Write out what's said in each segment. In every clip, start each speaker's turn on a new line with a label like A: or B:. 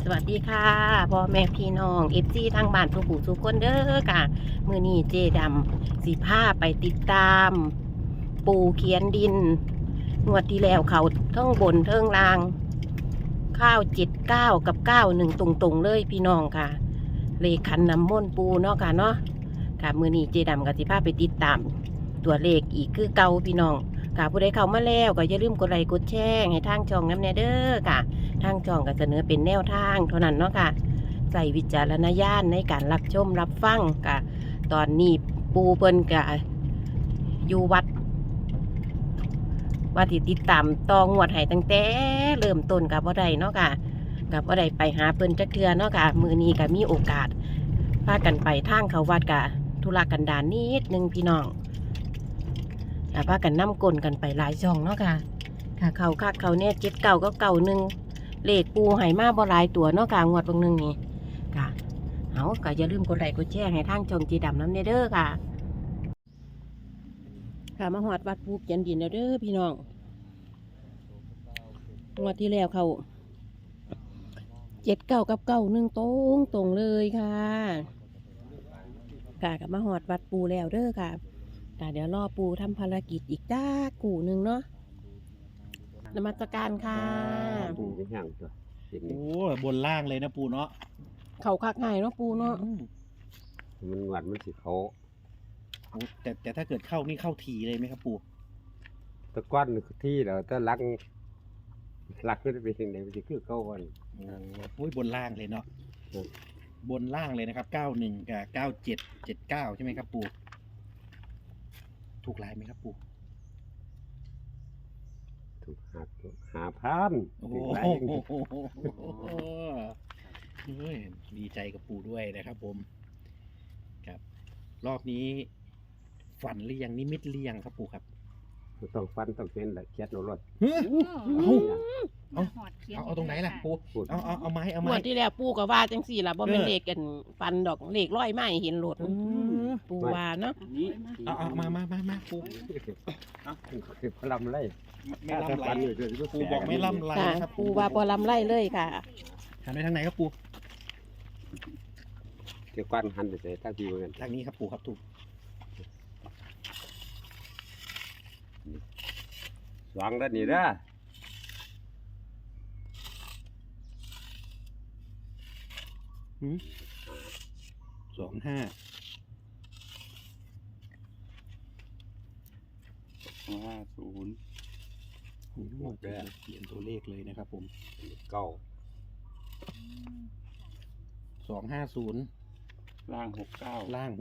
A: วัสดีค่ะพ่อแม่พี่น้องFGทางบ้านทุกผู้ทุกคนเด้อค่ะมื้อนี้เจดำสิพาไปติดตาม ปูเขียนดินงวดที่แล้วเขาเทิงบนเทิงล่าง ข้าว79กับ91ตรงๆเลยพี่น้องค่ะเลขขันน้ำมนต์ปูเนาะค่ะเนาะค่ะมื้อนี้เจดำก็สิพาไปติดตาม ตัวเลขอีกคือเก่าพี่น้องค่ะผู้ใดเข้ามาแล้วก็อย่าลืมกดไลค์กดแชร์ให้ทางช่องน้ำแน่เด้อค่ะทางช่องก็เสนอเป็นแนวทางเท่านั้นเนาะค่ะใส่วิจารณญาณในการรับชมรับฟังค่ะตอนนี้ปูเพิ่นก็อยู่วัดว่าที่ติดตามตองวดให้ตั้งแต่เริ่มต้นกับบ่ได้เนาะค่ะกับบ่ได้ไปหาเพิ่นจักเทื่อเนาะค่ะมื้อนี้ก็มีโอกาสพากันไปทางเขาวัดกะธุระกันดารนิดนึงพี่น้องพากันนำกลกันไปหลายช่องเนาะค่ะค่ะเขาคักเขาเนี่ย79ก็91เลขปูให้มาบ่หลายตัวเนาะค่ะงวดบางนึงนี่ค่ะเอาก็อย่าลืมกดไลค์กดแชร์ให้ทางช่องจีดำน้ำเด้อค่ะค่ะมาหอดวัดปูเขียนดินแล้วเด้อพี่น้องงวดที่แล้วเขา79กับ91ตรงเลยค่ะค่ะกับมาหอดวัดปูแล้วเด้อค่ะเดี๋ยวรอปูทำภารกิจอีกจ้ากูหนึ่งเนาะนมัสการค่ะ
B: ปูไม่ห่างตัว
C: โอ้บนล่างเลยนะปูเนาะ
A: เขาคักง่ายเนาะปูเนาะ
B: มันหวานมันสิเขา
C: แต่ถ้าเกิดเข้านี่เข้าทีเลยไหมครับปู
B: ตะก้อนที่เราถ้าลักก็จะเป็นยังไงมันจะคือเข้าวัน
C: โอ้ยบนล่างเลยเนาะบนล่างเลยนะครับ91กับ9779ใช่ไหมครับปูถูกลายไหมครับปู
B: ถูกหาพัน
C: โอ้โหดีใจกับปูด้วยนะครับผมครับรอบนี้ฝันหรือยังนิมิตหรือยังครับปูครับ
B: ต้องฟันต้องเป็นแหละเคียดโนรถ
C: เอาตรงไหนล่ะปูเอาไม้
A: หมดที่แล้วปูก็ว่าจังสี่ล่ะบ่เป็นเลขกันฟันดอกเลขร้อยไม้เห็นโหลดปูว่าเนาะ
C: เอามาปู
B: พลำไร
C: ไม่ล่ำไรปูบอกไม่ล่ำไรครับ
A: ปูว่าบ่ล่ำไรเลยค่ะ
C: หันไปทางไหนครับปู
B: เกี่ยวกันหันไปใส่ทางที่เหมือน
C: ทางนี้ครับปูครับถูก
B: สว่างด้านนี้นะ
C: 25
B: 50
C: เขียนตัวเลขเลยนะครับผม
B: 250
C: ล่าง69
B: วาง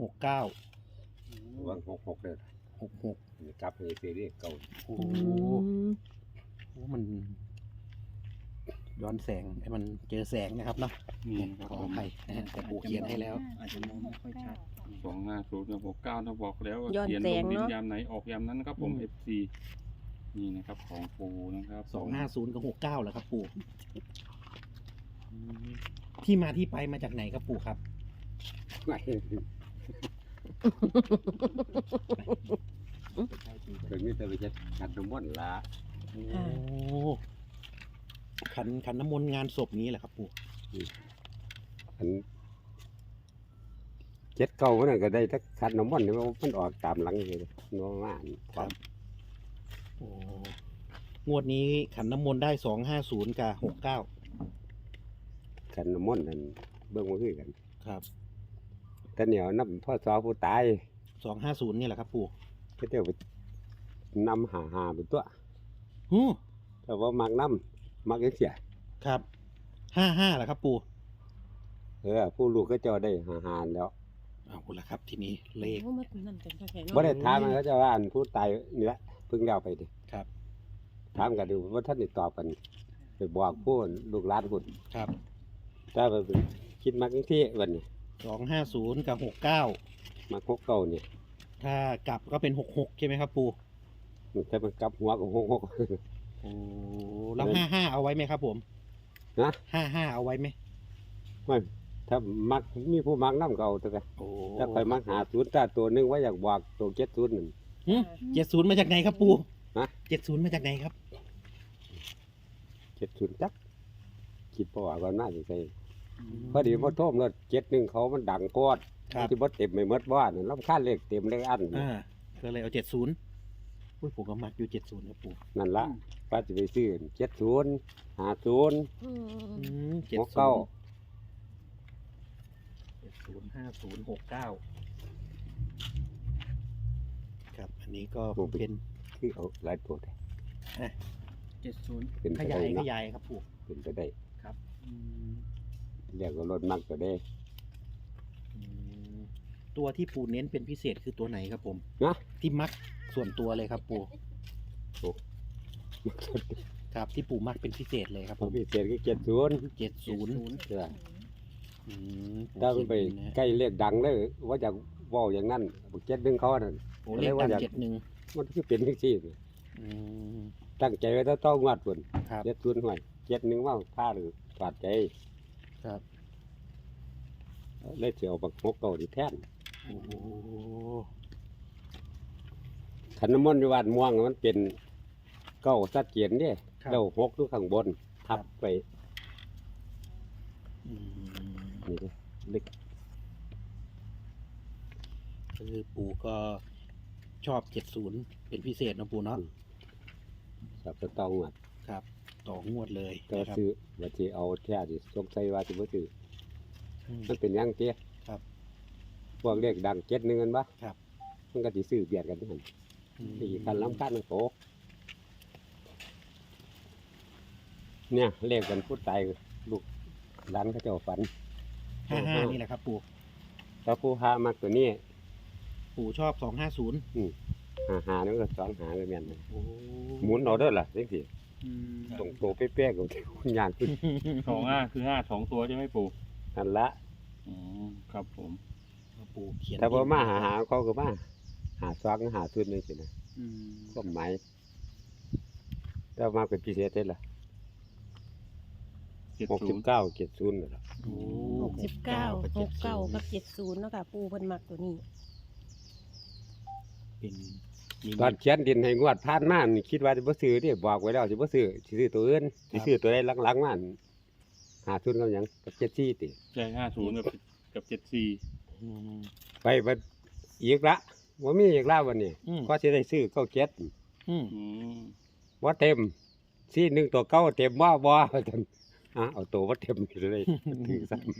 B: 66เลย
C: 66
B: จับให้เสียเรียกเก่า
C: โอ้มันย้อนแสงให้มันเจอแสงนะครับเนาะขออภัยแต่ปูเขียนให้แล้ว
D: อาจจะมองไม่ค่อยชัด250กับ69ถ้าบอกแล้วว่าเขียนลงดินยามไหนออกยามนั้นครับผม FC นี่นะครับของปูนะครับ
C: 250กับ69แหละครับปูที่มาที่ไปมาจากไหนครับปูครับ
B: ถึงนี่จะไปจัดขันน้ำมนต์ละ
C: โอ้ขันน้ำมนต์งานศพนี้แหละครับปู่
B: ขัน79มันก็ได้ถ้าขันน้ำมนต์นี่มันออกตามหลังเลยน้องม่าน
C: ครับโอ้งวดนี้ขันน้ำมนต์ได้250กับ69
B: ขันน้ำมนต์นั่นเบิ่งมาคือกัน
C: ครับ
B: แต่เหนียวน้ำพ่อสอผู้ตาย
C: 250นี่แหละครับปู่
B: ก็เดี๋ยวไปนำหาเป็นตัวแต่ว่ามักน้ำมักยังเสีย
C: ครับ55แหละครับปู่
B: ผู้ลูกก็จะได้หาแล้ว
C: เอาละครับทีนี้เลข
B: บ่ได้ถามมันก็จะว่าอันผู้ตายนี่แหละเพิ่งเล่าไปดิ
C: ครับ
B: ถามกันดูว่าท่านติดต่อกันไปบอกผู้ลูกหลานผู้
C: ครับ
B: ถ้าไปคิดมักยังที่วันนี้
C: 250กับ69
B: มา69เนี่ย
C: ถ้ากลับก็เป็น66ใช่ไหมครับปู่
B: ถ้ามันกลับหัวก็
C: โอ้แล้ว55เอาไว้ไหมครับผม
B: นะ
C: 55เอาไว้ไหม
B: ไม่ถ้ามักมีผู้มักน้ำเก่าตัวกันถ้าใครมัก50ถ้าตัวนึงว่าอยากบอกตัว70นั่น
C: 70มาจากไหนครับปู่
B: ฮะ
C: 70มาจากไหนครับ
B: 70จักคิดเพราะว่าก่อนหน้าจะใส่พอดีพอโทมรถ71เขามันดังโพด
C: ครับ
B: ที่บ่เต็มไม่หมดบ้านรำคาญเลขเต็มเลขอัน
C: ก็เลยเอา70อุ้ยผมก็มักอยู่70ครับปู่
B: นั่นละป้าจะไปซื้อ70 50
C: 70
B: 69
C: 50 50 69ครับอันนี้ก็เป็น
B: คือเอาหลายตัวแท้
C: 70
B: เป็น
C: ข
B: ไป
C: ยา
B: ได้
C: ยข
B: เนาะ
C: ยายครับปู่
B: เป็นไปได้
C: ครับ
B: เรียกว่ารถมักก็ได้
C: ตัวที่ปู่เน้นเป็นพิเศษคือตัวไหนครับผม
B: นะ
C: ที่มักส่วนตัวเลยครับปู่
B: โอ้
C: ครับที่ปู่มักเป็นพิเศษเลยครับ
B: พ
C: ผ
B: อ
C: ม
B: พิเศษก็70
C: 70
B: จ้ะ
C: อืม
B: ถ้ามันไปใกล้เลขดังเลยว่าจะเว้าอย่างนั้นบ่71เขานั่น
C: โอ้เลข
B: ว่า
C: ดัง
B: อยาก
C: 71
B: มันคือเป็นจังซี่
C: อืม
B: ตั้งใจไว้ต้องงวดพุ่น
C: ครับ
B: 70ห่วย71ว่าพลาดหรือพลาดใจ
C: ครับ
B: เลยสิเอาบัก6เก่าที่แทน
C: โอ้โห
B: ขันน้ำมนต์อยู่วัดม่วงมันเป็นเก้าสัดเกียนเนี่ย
C: ครับ
B: แล้ว6อยู่ข้างบนทับไป
C: อืม
B: นี่เด้อเล็ก
C: คือปู่ก็ชอบ70เป็นพิเศษนะปู่เนาะ
B: สับตะตองวัด
C: ครับ ต่องวดเลย
B: ก็
C: นะครับ
B: ซื้อว่าสิเอาแท้สิสงสัยว่าสิบ่ซื้อ
C: อืม
B: มันเป็นหยังเตี้ย
C: ครับ
B: พวกเลขดัง71กันบ่
C: ครับ
B: มันก็สิซื้อเบียดกันหั่น
C: อืม
B: ที่คันลำคันโตเนี่ยเลขกันผู้ตายลูกหลานเขาเจ้าฝัน
C: 55นี่แหละครับปู่
B: ถ้าผู้หามักตัวนี้
C: ปู่ชอบ250
B: หานี่มันก็สองหาก็แม่นเลย
C: โอ้
B: หมุนเอาเด้อล่ะจังซี่
C: อืม
B: ตรงโตเป๊ะๆก็คุณยากขึ้น
D: 25คือ5 2 ตัวใช่ไหมปู่
B: นั่นละ
D: ครับผม
C: ปู่เขียน
B: ถ้าบ่มาหาเขาก็มาหาซอกหาทุนจังซี่นะ
C: อืม
B: ก็หมายแต่มาเป็นพิเศษเด้ล่ะ
D: 70
B: 69 70นั่นล่ะ
C: โอ้
A: 69 69กับ70เนาะค่ะปูเพิ่นมักตัวนี้
C: เป็นมี
B: ตอนเขียนดินให้งวดผ่านมานี่คิดว่าสิบ่ซื้อเด้บอกไว้แล้วสิบ่ซื้อสิซื้อตัวอื่นสิซื้อตัวใดหลังๆมาหาทุนกับหยังกับ74ติ
D: ใช่50กับ74
C: อืม
B: ไปบัดอีกละบ่มีอีกแล้ววันนี้
C: อืม
B: ก็สิได้ซื้อ97
C: อืม
D: อืม
B: บ่เต็มซี่หนึงตัวเก่าเต็มบ่บ่จังเอาตัวบ่เต็มนี่เลยถือซ้ำ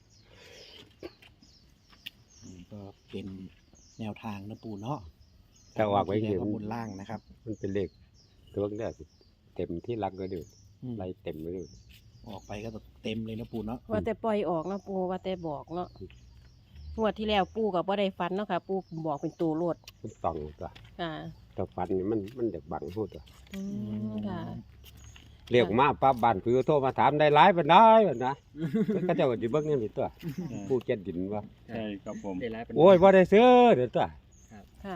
C: ก็เป็นแนวทางนะปู่เนาะ
B: ถ้าออกไว้
C: ที่
B: เห็น
C: แรกก็บนล่างนะครับ
B: มันเป็นเลขตัวเนี้ยเต็มที่รักก็ดู
C: อืม
B: ไล่เต็มไปเลย
C: ออกไปก็เต็มเลยนะปู่เนาะ
A: ว่าแต่ปล่อยออกเนาะปูว่าแต่บอกเนาะงวดที่แล้วปูก็บ่ได้ฟันเนาะค่ะ ปูบอกเป็นตัวโลด
B: มันต้องตัว
A: ค่ะ
B: แต่ฟันนี่มันเด็กบังหูตัว
A: อืมค่ะ
B: เรียกมาป้าบ้านคือโทรมาถามได้หลายปานใดบัดนะก็เจ้าก็สิเบิ่งนี่ตัวผู้เจ็ดดินว่า
D: ใช่ครับผม
C: ได้ร้ายเป็น
B: โอ้ยบ่ได้ซื้อเด้อตัว
A: ค่ะ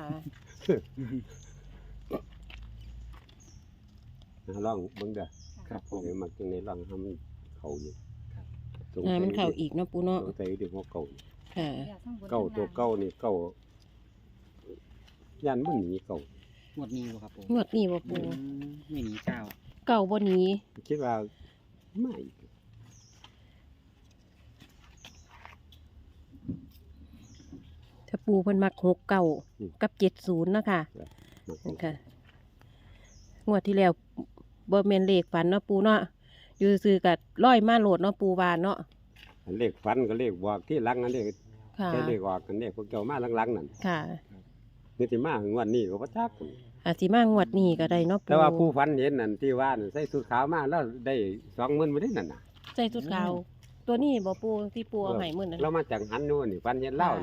B: ลองเบิ่งเด้อ
D: ครับผม
B: เดี๋ยวมักจังได๋ลองให้มันเข้าอยู่สง
A: อ่า
B: สัย
A: มันเข้าอีกเนาะปูเนาะ
B: สงสัยเดี๋ยวหัวเก่า
A: ค่ะ
B: เก่าตัวเก่านี่เก่ายันมันหนีเก่า
E: งวดนี้บ่ครับผม
A: งวดนี้บ่ปู
E: ไม่หนีเก้า
A: เก่าบ่หนี
B: คิดว่าไม่
A: ถ้าปูเพิ่นมัก69กับ70เนาะค่ะ
B: มัก
A: ค่ะงวดที่แล้วบ่แม่นเลขฝันเนาะปูเนาะอยู่ซื่อๆก็ร้อยมาโหลดเนาะปูว่าเนาะ
B: อันเลขฟันก็เลขบอกที่หลังอันเลข
A: ค่ะ
B: แค่เลขออกอันเลขพวกเจ้ามาหลังๆนั่น
A: ค่ะ
B: นี่สิมาถึงวันนี้ก็บ่จัก
A: อาจสิมางวดนี้ก็ได้เนาะปู
B: แต่ว่าผู้ฝันเห็นนั่นที่ว่านั่นใส่สุดขาวมาแล้วได้20,000บ่ได้นั่นน่ะ
A: ใส่ชุดขาวตัวนี้บ่ปูที่ปูเอาให้มื้อนั้น
B: เรามาจากหันนู่นนี่ฝันเห็นเล่า
A: ค่ะ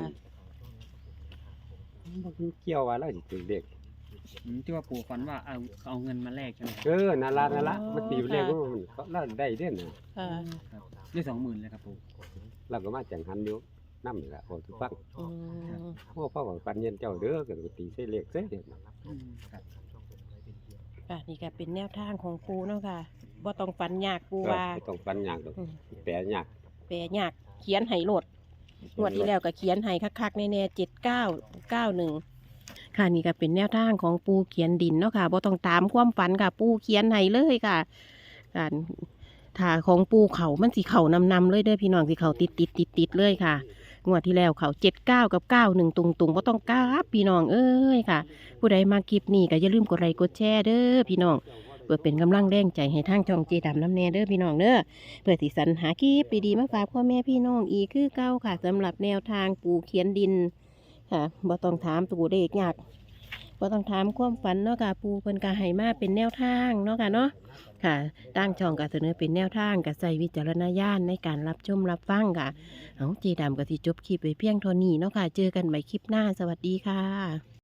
B: นี่บ่เกี่ยวว่าเราสิถือเลข
E: ที่ว่าปู่ฝันว่าเอาเงินมาแลกใช่ไหมครับ
B: นั่นล่ะมันตีเลขมันเราได้เด้อน่ะ
A: ค่ะ
E: ครับได้20,000เลยครับปู่
B: เราก็มาจากหันอยู่นำนี่ล่ะโอ้ทุกฟัง
A: อืม
B: โอ้พ่อว่าฝันเห็นเจ้าเด้อก็ตีใส่เลขเด้อ
E: ครับ
A: ค่ะนี่ก็เป็นแนวทางของปูเนาะค่ะบ่ต้องฝันยากปู
B: ก็
A: ว่า
B: บ่ต้องฝันยากดอก
A: อืม
B: แปลยาก
A: แปลยากเขียนให้โหลดงวดที่แล้วก็เขียนให้คักๆแน่ๆ7991ค่ะนี่ก็เป็นแนวทางของปูเขียนดินเนาะค่ะบ่ต้องตามความฝันค่ะ ปูเขียนให้เลยค่ะการถาของปูเขามันสิเขานำเลยเด้อพี่น้องสิเขาติดเลยค่ะงวดที่แล้วเขา79กับ91ตุงบ่ต้องกราบพี่น้องเอ้ยค่ะ ผู้ใดมาคลิปนี้ก็อย่าลืมกดไลค์กดแชร์เด้อพี่น้องเพื่อเป็นกำลังแรงใจให้ทางช่องเจดำน้ำแน่เด้อพี่น้องเด้อเพื่อที่สรรหาคลิปดีๆมาฝากพ่อแม่พี่น้องอีกคือเก้าค่ะสำหรับแนวทางปูเขียนดินค่ะบ่ต้องถามตัวเลขยากบ่ต้องถามความฝันเนาะค่ะปูเพิ่นก็ให้มาเป็นแนวทางเนาะค่ะเนาะค่ะตั้งช่องก็เสนอเป็นแนวทางก็ใส่วิจารณญาณในการรับชมรับฟังค่ะเอาเจดำก็สิจบคลิปไปเพียงเท่านี้เนาะค่ะเจอกันใหม่คลิปหน้าสวัสดีค่ะ